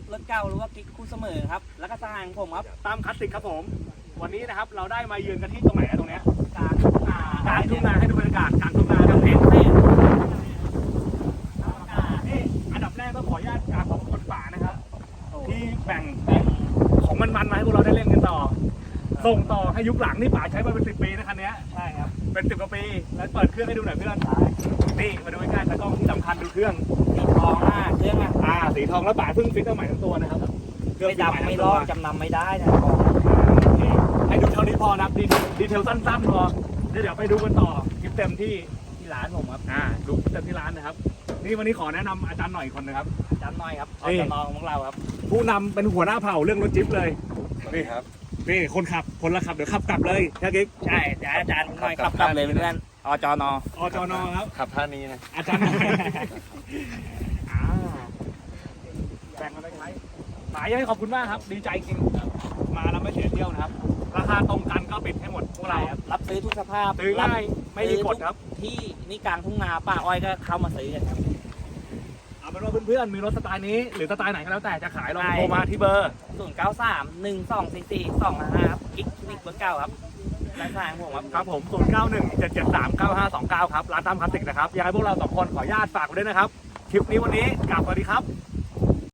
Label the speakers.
Speaker 1: รถเก่าหรือว่ากิ๊กคู่เสมอครับแล้วก็สหายของผมครับ
Speaker 2: ตามคลาสสิกครับผมวันนี้นะครับเราได้มาเยือนกันที่ตรงไหนตรงเนี้ย
Speaker 1: กลางทุ่งนาก
Speaker 2: ลางทุ่งนาให้ดูบรรยากาศกลางทุ่งนาครับเองนี่อันดับแรกต้องขออนุญาตกราบขอบคุณป่านะครับที่แบ่งของมันมาให้พวกเราได้เล่นกันต่อส่งต่อให้ยุคหลังนี่ป่าใช้มาเป็น10 ปีนะคันนี้
Speaker 1: ใช่ครับ
Speaker 2: เป็น10 กว่าปีแล้วเปิดเครื่องให้ดูหน่อยเพื่อนนี่มาดูใกล้ๆตากล้องที่สำคัญดูเครื่อง
Speaker 1: สีทองเครื่อง
Speaker 2: สีทองแล้วป่าเพิ่งฟิตเอาใหม่ทั้งตัวนะครับ
Speaker 1: ไม่ดำไม่ลอกจำนำไม่ได้นะ
Speaker 2: ให้ดูเท่านี้พอนะดีเทลสั้นๆพอเดี๋ยวไปดูกันต่อคลิปเต็มที่
Speaker 1: ร้านผมครับ
Speaker 2: ดูเต็มที่ร้านนะครับนี่วันนี้ขอแนะนำอาจารย์หน่อยคนนะครับ
Speaker 1: อาจารย์น้อยครับอจนของเราครับ
Speaker 2: ผู้นำเป็นหัวหน้าเผ่าเรื่องรถจิ๊บเลยนี่ครับนี่คนขับคนละขับเดี๋ยวขับกลับเลยแค่กิ๊ก
Speaker 1: ใช่เดี๋ยวอาจารย์น้อยขับกลับเลยเพื่อนอจน
Speaker 2: ครับ
Speaker 3: ขับท่านี้นะ
Speaker 2: อาจารย์แบ่งกันไปใช้หมายให้ขอบคุณมากครับดีใจจริงมาแล้วไม่เสียเที่ยวนะครับราคาตรงกันก็ปิดให้หมดพวกเรา
Speaker 1: รับซื้อทุกสภาพ
Speaker 2: ซื้อง่ายไม่มีกฎครับ
Speaker 1: ที่นี่กลางทุ่งนาป้าอ้อยก็เข้ามาซื้อกันครับ
Speaker 2: เอาเป็นว่าเพื่อนๆมีรถสไตล์นี้หรือสไตล์ไหนก็แล้วแต่จะขายลองโทรมาที่เบอร์
Speaker 1: 0931244245ครับกิ๊กคลินิกเบอร์เก้าครับร้านสร้างผม
Speaker 2: ครับผม0917739529ครับร้านตามคลาสสิกนะครับอยากให้พวกเรา2 คนขออนุญาตฝากไว้ด้วยนะครับคลิปนี้วันนี้กลับสวัสดีครับ